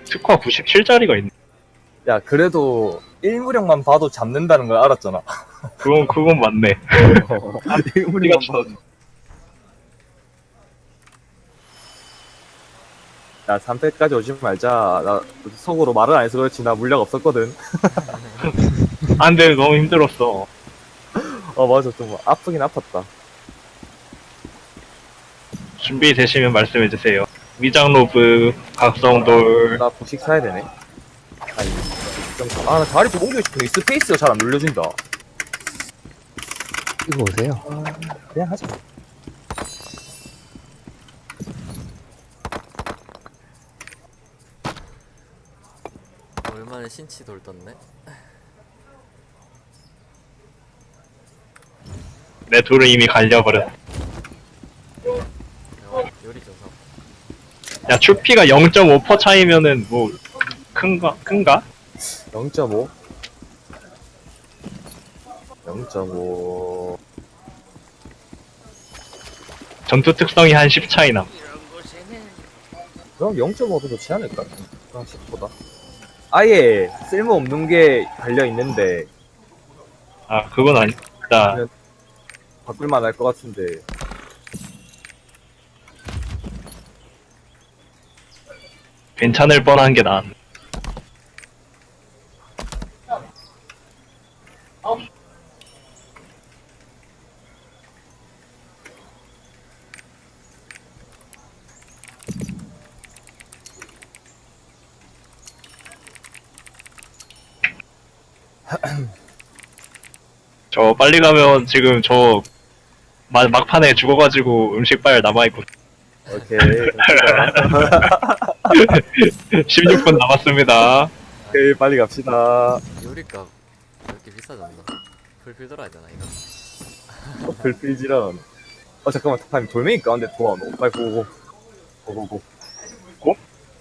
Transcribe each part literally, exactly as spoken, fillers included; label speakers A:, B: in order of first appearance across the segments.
A: 특화 구십칠짜리가 있네.
B: 야, 그래도 일무력만 봐도 잡는다는 걸 알았잖아.
A: 그건, 그건 맞네.
B: 일무력만 봐도. 야, 삼 패까지 오지 말자. 나 속으로 말을 안 해서 그렇지. 나 물력 없었거든.
A: 안 돼, 너무 힘들었어.
B: 어, 맞아. 좀 아프긴 아팠다.
A: 준비되시면 말씀해주세요. 위장로브, 각성돌.
B: 나 부식 사야 되네. 아니, 좀, 아, 나 다리 좀 옮기고 싶은데 이 스페이스가 잘 안 눌려진다.
C: 이거 오세요.
B: 그냥 하자.
D: 얼마나 신치 돌떴네.
A: 내 돌은 이미 갈려버렸어.
D: 야, 요리 조사.
A: 야, 추피가 영 점 오 퍼센트 차이면은 뭐, 큰가? 큰가?
B: 영 점 오. 영 점 오.
A: 전투 특성이 한 십 차이 남.
B: 그럼 영 점 오도 좋지 않을까? 그냥 십보다. 아예 쓸모없는 게 달려있는데,
A: 아, 그건 아니다.
B: 바꿀만 할 것 같은데.
A: 괜찮을 뻔한 게 나았네. 저 빨리 가면 지금 저 마, 막판에 죽어가지고 음식 빨 남아있고
B: 오케이.
A: 십육 분 남았습니다.
B: 오케이, 빨리 갑시다.
D: 요리값 왜 이렇게 비싸졌나? 풀필 들어야 되나 이거?
B: 어, 불필지런. 어, 잠깐만, 타임 돌멩이 가운데 도와놓. 빨리 고고. 고고고.
A: 고?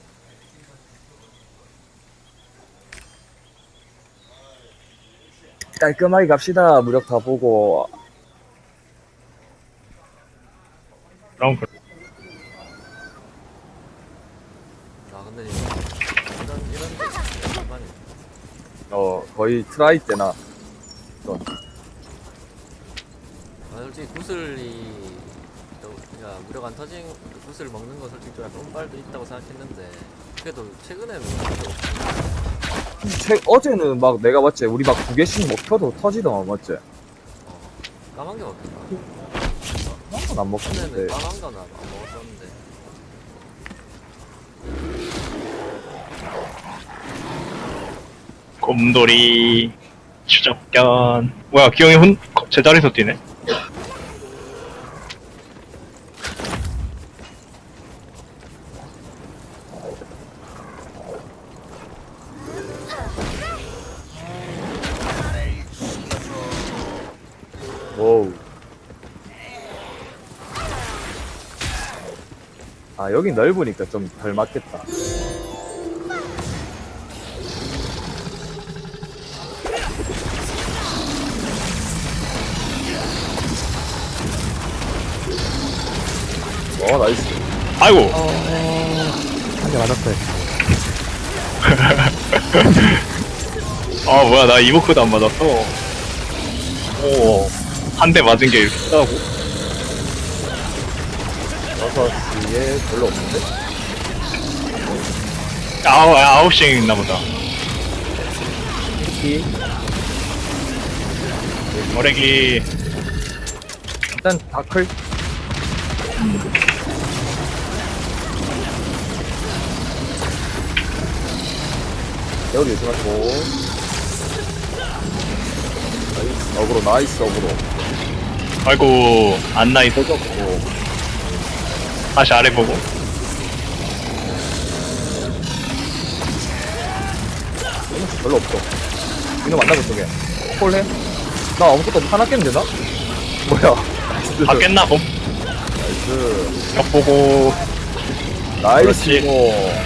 B: 깔끔하게 갑시다. 무력 다 보고.
A: 그럼 그-
D: 아 근데 이거 이런 이런 게 얼마니?
B: 어, 거의 트라이 때나. 어,
D: 아 솔직히 구슬이 또 그냥 무력 안 터진 구슬 먹는 거 솔직히 좀 약간 운빨도 있다고 생각했는데 그래도 최근에는
B: 최, 어제는 막 내가 봤지. 우리 막 두 개씩 먹혀도 터지더만, 맞지?
D: 어, 까만 게 먹혔나?
B: 한번 안
D: 처음에는
B: 먹혔는데.
D: 까만 거는 안 먹었었는데
A: 곰돌이 추적견. 뭐야, 기영이 혼 제자리에서 뛰네.
B: 오우. 아, 여기 넓으니까 좀 덜 맞겠다. 어, 나이스.
A: 아이고.
C: 한 대 맞았어요.
A: 아, 뭐야, 나 이모크도 안 맞았어. 오, 한 대 맞은 게 이렇게 크다고?
B: 여섯 시에 별로 없는데?
A: 아홉, 아홉 씩 있나 보다.
B: 키
A: 머래기.
B: 일단 다클. 여기 조심하시고. 나이스, 어그로, 나이스, 어그로.
A: 아이고, 안나이 또
B: 터졌고.
A: 다시 아래 보고.
B: 이놈 별로 없어. 이놈 만나고 쪽에. 콜해? 나 아무것도 하나 깼는데 나? 뭐야?
A: 다 깼나 봄?
B: 나이스.
A: 역 보고.
B: 나이스,
A: 그렇지.
B: 이거.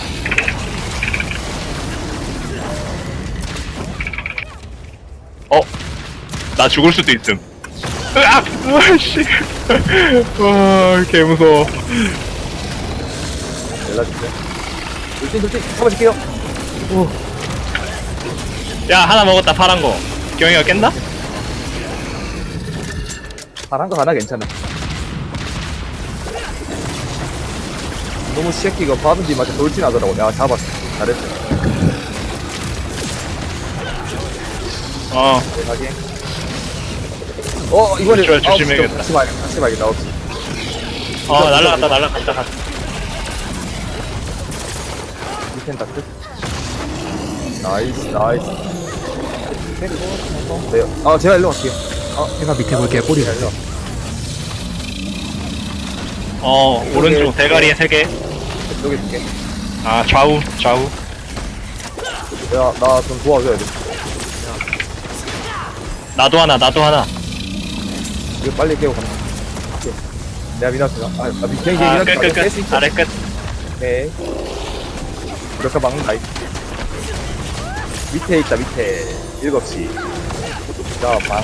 A: 어? 나 죽을 수도 있음. 으악! 으아씨. 와, 개 무서워.
B: 연락줄게. 돌진 돌진 잡아줄게요. 오
A: 야 하나 먹었다 파란 거. 경이가 깼나?
B: 파란 거 하나 괜찮아. 너무 새끼가 받은 뒤마저 돌진하더라고. 야 잡았어. 잘했어.
A: 어.
B: 대박이. 어 이번에
A: 조심해, 조심해야겠다.
B: 다시 봐야겠다. 다시 봐야겠다. 아홉 시.
A: 어 날라갔다 날라갔다 갔다.
B: 밑엔 다크. 나이스 나이스. 네. 아 제가 일로 갈게요.
C: 제가 밑에 볼게요. 꼬리.
B: 제가 일로.
A: 어 오른쪽 대가리에 세 개.
B: 여기 줄게.
A: 아 좌우 좌우.
B: 야나 좀 도와줘야 돼.
A: 나도 하나 나도 하나.
B: 이거 빨리 깨고 간다. 오케이. 내가 미나스가. 아, 아 미, 그냥
A: 아
B: 미나스
A: 끝 끝 끝. 아래 끝.
B: 오케이. 이렇게 막는다. 이. 밑에 있다 밑에. 일곱 시. 자, 방.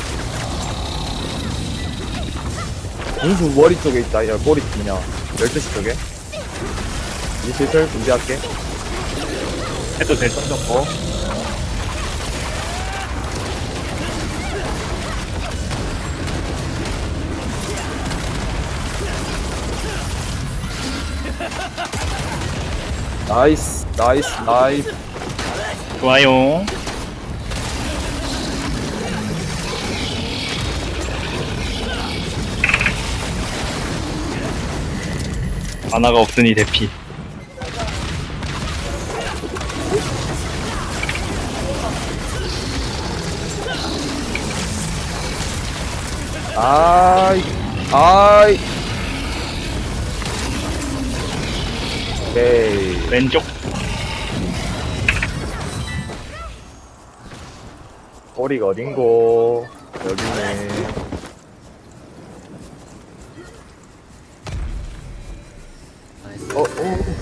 B: 공수 머리 쪽에 있다. 야, 꼬리 뭐냐. 열두 시 쪽에. 이 슬슬 준비할게.
A: 해도 될 정도.
B: 어. 나이스, 나이스, 나이스.
A: 좋아요. 만화가 없으니 대피.
B: 아이, 아이. 오케이.
A: 왼쪽.
B: 꼬리가 어딘고? 여기네.
D: 나이스.
B: 어, 어.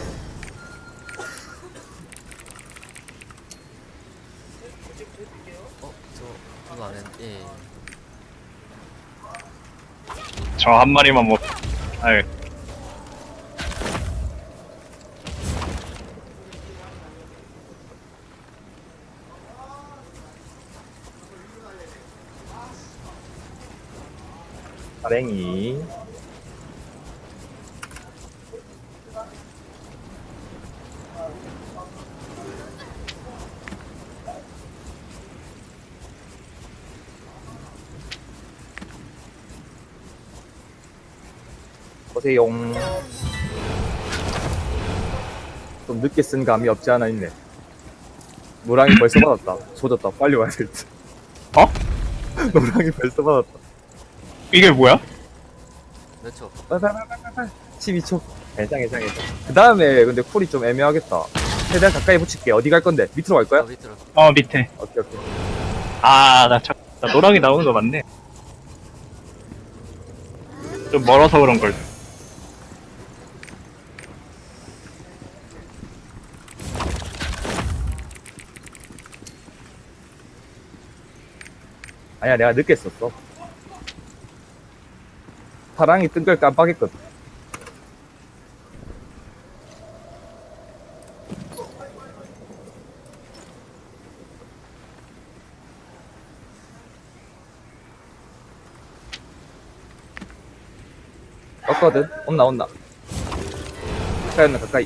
D: 어, 저, 저도 안 했, 예.
A: 저 한 마리만 못. 아유.
B: 사랭이. 보세요. 좀 늦게 쓴 감이 없지 않아 있네. 노랑이 벌써 받았다. 조졌다. 빨리 와야 될 듯.
A: 어?
B: 노랑이 벌써 받았다.
A: 이게 뭐야?
D: 몇 초?
B: 빨빨빨빨빨. 십이 초. 괜찮, 괜찮, 괜찮. 그 다음에 근데 쿨이 좀 애매하겠다. 최대한 가까이 붙일게. 어디 갈 건데? 밑으로 갈
D: 저
B: 거야?
D: 밑으로.
A: 어 밑에.
B: 오케이, 오케이.
A: 아나 참. 나 노랑이 나오는 거 맞네. 좀 멀어서 그런 걸.
B: 아니야, 내가 늦게 썼어. 파랑이 뜬 걸 깜빡했거든. 떴거든? 온나, 온나. 가까이 온나, 가까이.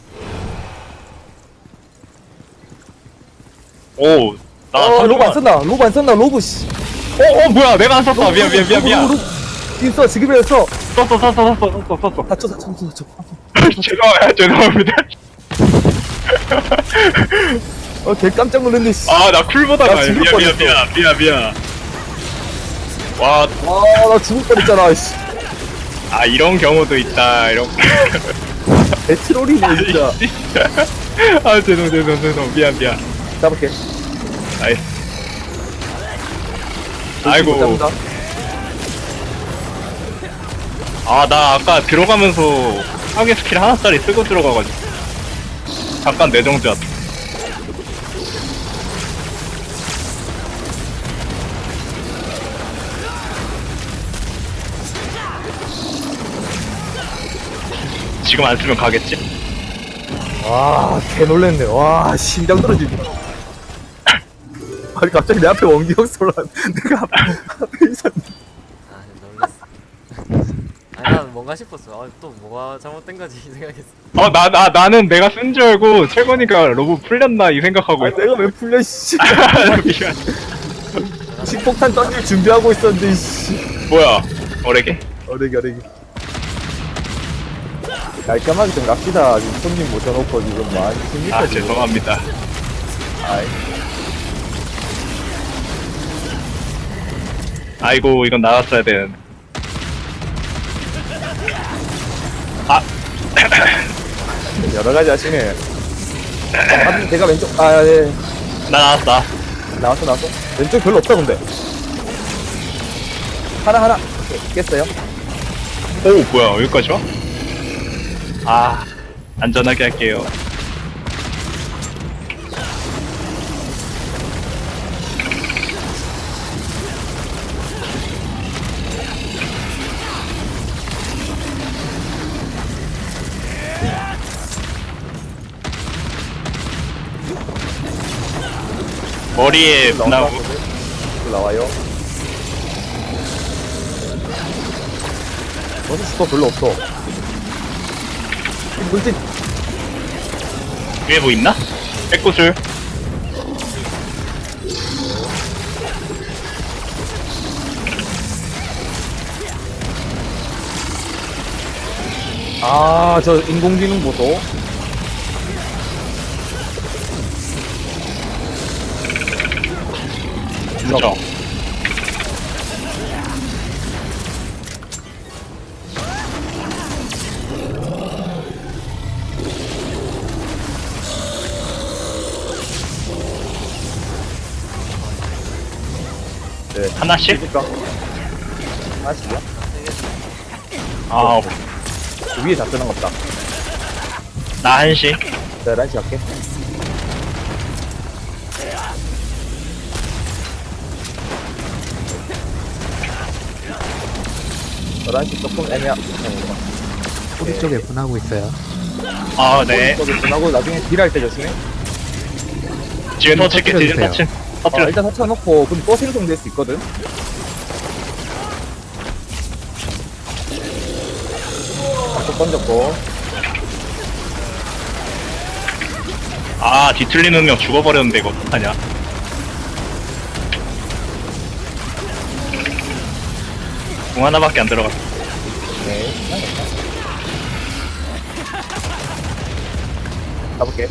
A: 오. 나
B: 어, 로브 안 썼나? 로브 안 썼나? 로브, 씨.
A: 어, 어, 뭐야, 내가 안 썼다. 미안, 미안, 미안, 미안.
B: 지금 써, 지금이라 써.
A: 썼어, 썼어, 썼어, 썼어, 썼어.
B: 다쳐, 다쳐, 다쳐, 다쳐.
A: 죄송해요, 죄송합니다.
B: 어, 개 깜짝 놀랐네, 씨.
A: 아, 나 쿨보다가
B: 나
A: 미안,
B: 죽을
A: 미안, 미안, 미안, 미안. 와,
B: 와, 나 죽을 뻔했잖아, 씨.
A: 아, 이런 경우도 있다, 이런.
B: 배트롤이네, 진짜.
A: 아, 죄송, 죄송, 죄송. 미안, 미안.
B: 잡을게.
A: 아이. 아이고.
B: 잡는다.
A: 아, 나 아까 들어가면서 파괴 스킬 하나짜리 쓰고 들어가가지고. 잠깐 내정지 왔다. 지금 안 쓰면 가겠지?
B: 와, 개 놀랬네. 와, 심장 떨어지네. 아니, 갑자기 내 앞에 원기형 쏘라. 내가 앞- 앞에 있었네.
D: 아 놀랬어. 아니 난 뭔가 싶었어. 아, 또 뭐가 잘못된 거지 이 생각했어.
A: 어, 나, 나, 나는 내가 쓴 줄 알고 최건이가 로브 풀렸나 이 생각하고
B: 아니,
A: 있어.
B: 내가 왜 풀려, 씨.
A: 미안.
B: 식폭탄 던질 준비하고 있었는데, 씨.
A: 뭐야, 어레게?
B: 어레기, 어레기. 깔끔하게 좀 갑시다. 지금 손님 모셔놓고 지금 많이 힘들다.
A: 아,
B: 지금.
A: 죄송합니다.
B: 아이.
A: 아이고, 이건 나갔어야 되는. 아,
B: 여러 가지 하시네. 아, 제가 왼쪽, 아, 예.
A: 나 나왔다.
B: 나왔어, 나왔어. 왼쪽 별로 없다, 근데. 하나, 하나. 오케이, 깼어요.
A: 오, 뭐야, 여기까지 와? 아, 안전하게 할게요. 머리에 나오고.
B: 또 나와요. 너도 슈퍼 별로 없어. 물진.
A: 위에 뭐 있나? 백구슬.
B: 아, 저 인공지능 보소.
A: 그죠?
B: 네.
A: 하나씩?
B: 그니까. 하나씩이야?
A: 아,
B: 그 위에 잡혀난 것 같다.
A: 나 한씩.
B: 자, 란치 할게. 란치 조금 애매하.
C: 우리 쪽에 분하고 있어요.
A: 아, 네.
B: 하고 나중에 딜할 때 조심해.
A: 뒤에 터칠게, 뒤에
C: 터뜨려주세요.
A: 터칠.
B: 어,
A: 터뜨려.
B: 일단 터쳐놓고 그럼 또 생성될 수 있거든. 또 던졌고.
A: 아, 뒤틀리는 명 죽어버렸는데, 이거 어떡하냐. 공 하나밖에 안 들어갔어.
B: 네. 가볼게.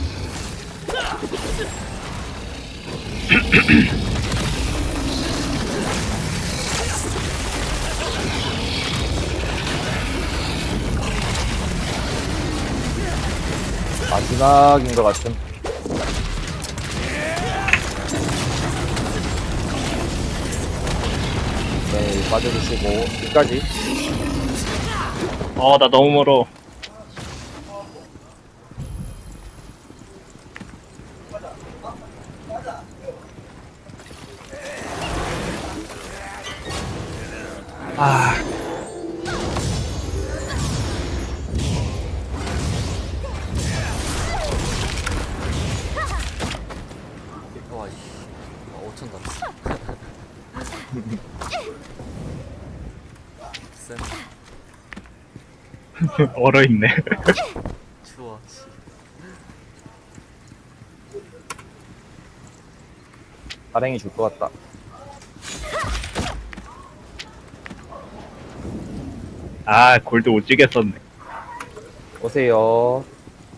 B: 마지막인 것 같은. 네, 빠져주시고, 끝까지.
A: 어, 나 너무 멀어. 아,
D: 와 씨. 아, 오천 남았어. 쌤
A: 얼어있네.
D: 추워. 씨.
B: 발행이 줄 것 같다.
A: 아, 골드 오지게 썼네.
B: 오세요.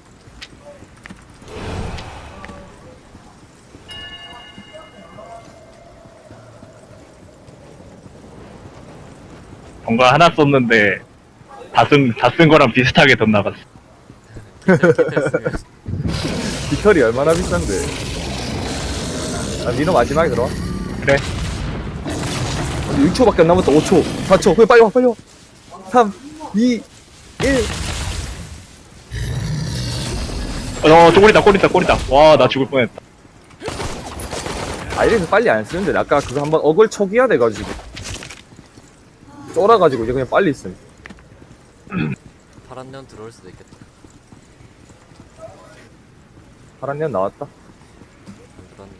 A: 뭔가 하나 썼는데, 다 쓴, 다 쓴 거랑 비슷하게 돈 나갔어.
D: 기태스면
B: 깃털이 얼마나 비싼데. 아, 민호 마지막에 들어와.
A: 그래.
B: 육 초밖에 안 남았다. 오 초, 사 초. 그래, 빨리 와, 빨리 와. 삼, 이, 일.
A: 어, 쪼꼬리다, 꼬리다, 꼬리다. 와, 나 죽을 뻔했다.
B: 아, 이래서 빨리 안 쓰는데. 아까 그거 한번 어글 초기화 돼가지고. 쫄아가지고 이제 그냥 빨리 쓴.
D: 파란 년 들어올 수도 있겠다.
B: 파란 년 나왔다.
D: 그런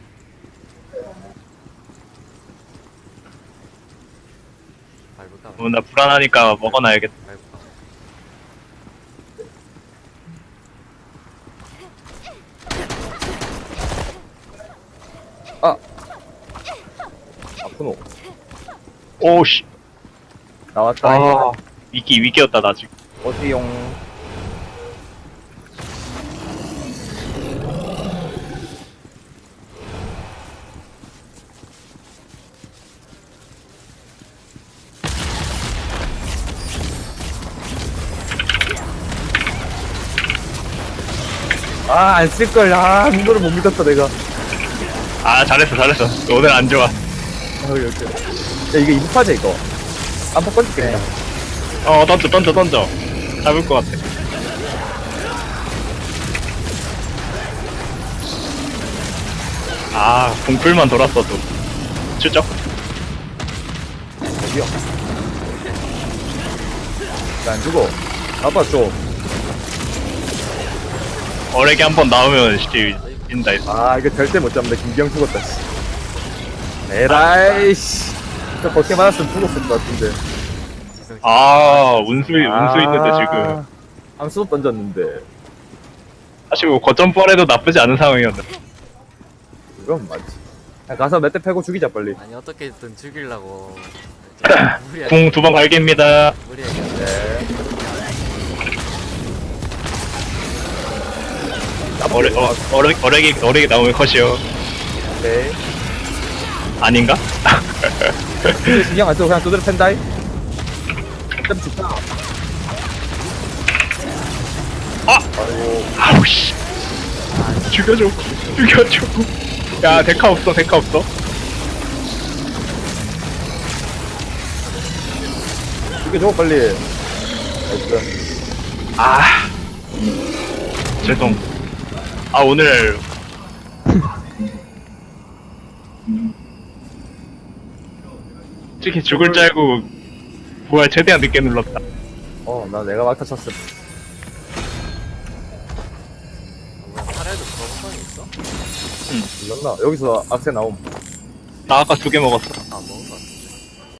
D: 밟을까?
A: 어, 나 불안하니까 먹어놔야겠다.
D: 밟을까?
B: 아! 아프노.
A: 오씨.
B: 나왔다.
A: 아, 위기, 위기였다, 나 지금.
B: 어디용. 아, 안 쓸걸. 아, 이거를 못 믿었다, 내가.
A: 아, 잘했어, 잘했어. 오늘 안 좋아.
B: 아, 이렇게. 야, 이게 이부파제, 이거. 안팎 건질게, 그냥.
A: 어, 던져, 던져, 던져. 잡을 것 같아. 아, 공풀만 돌았어도. 추적?
B: 어디요? 나안 죽어. 아빠 줘.
A: 어레게 한 번 나오면 씨, 인다 했어.
B: 아, 이거 절대 못 잡는다. 김기영 죽었다, 씨. 에라이, 씨. 저 버티 맞았으면 죽었을 것 같은데.
D: 지성
A: 아, 운수, 운수 있는데 지금.
B: 암수 던졌는데.
A: 사실 뭐 거점 뻘에도 나쁘지 않은 상황이었는데.
B: 이건 맞지. 야, 가서 몇 대 패고 죽이자, 빨리.
D: 아니 어떻게든 죽이려고 무리하게
A: 궁 두 번 갈깁니다.
D: 무리하게
B: 네.
A: 어레, 어, 어레, 어레기, 어레기 나오면 컷이요.
B: 오케이.
A: 아닌가?
B: 근데 신경 안 쓰고 그냥 두드려 팬다이. 좀 죽다.
A: 아!
B: 아이고.
A: 아우, 씨. 죽여줘. 죽여줘. 야, 데카 없어, 데카 없어.
B: 죽여줘, 빨리. 나이스.
A: 아. 죄송. 아, 오늘. 솔직히 죽을 줄 알고 부활 최대한 늦게 눌렀다.
B: 어, 나 내가 막타 쳤어.
D: 뭐야 팔에도 거부성이 있어?
B: 눌렀나? 여기서 악세 나옴.
A: 나 아까 두 개 먹었어.